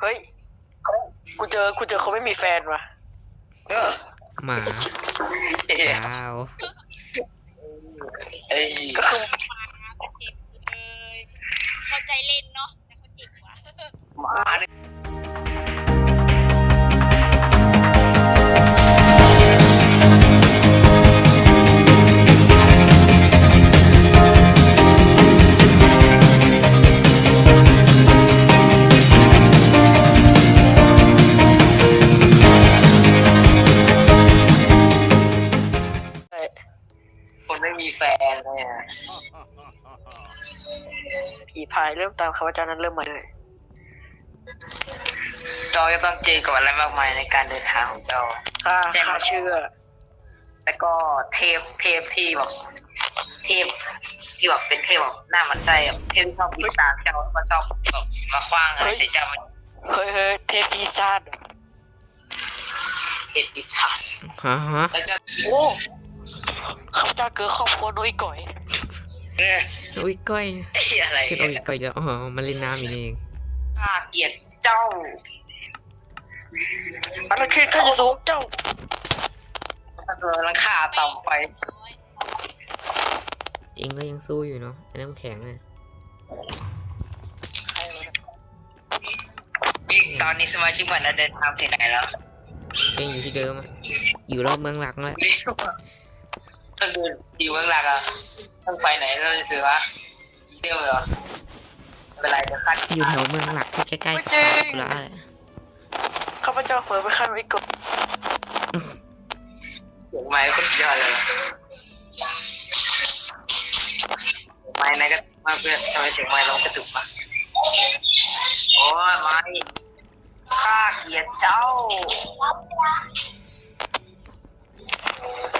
ฮ้ยกูเจอเขาไม่มีแฟนว่ะหมาดาวก็คือเขาเจ็บเลยเข้าใจเล่นเนาะแต่เขาเจ็บว่ะมาคนไม่มีแฟนเนี่ยผีพายเริ่มตามคำว่าเจ้านั้นเริ่มมาเลยเจ้าจะต้องเจอกับอะไรมากมายในการเดินทางของเจ้าข้าเช่นเชื่อแล้วก็เทพที่แบบเทพที่แบบเป็นเทพแบบหน้ามันไส้แบบเทพที่ชอบติดตามเจ้าก็ชอบแบบมาคว้างอะไรใส่เจ้ามันเฮ้ยเทพปีศาจเทพปีศาจฮะแล้วจะโอ้ข้าพเจ้าเกิดครอบครัวน้อยก่อยโอ้ยก้อยอะไรเทพโอ้ยก้อยแล้วอ๋อมันเล่นน้ำอยู่นี่เองข้าเกลียดเจ้าอันนั้นคือข้าจะสูงเจ้าถ้าเธอลังค่าต่ำไปเองก็ยังสู้อยู่เนาะไอ้น้ำแข็งเนี่ยบิ๊กตอนนี้สมาชิกใหม่เราเดินทางถึงไหนแล้วเองอยู่ที่เดิมอะอยู่รอบเมืองหลักแล้วต้องเดินอยู่เมืองหลักอ่ะต้องไปไหนเราจะซื้อวะเดียวเหรอไม่เป็นไรเดี๋ยวขั้นอยู่แถวเมืองหลักที่ใกล้ไม่ๆจริงกุระแหละข้าพเจ้าเผลอไปขั้นไว้ก่อนเสียงไม้ก็สุดยอดเลยไม้ไหนก็มาเพื่อนทำไมเสียงไม้เรากระตุกมาโอ้ยไม้ข้าเกลียดเจ้า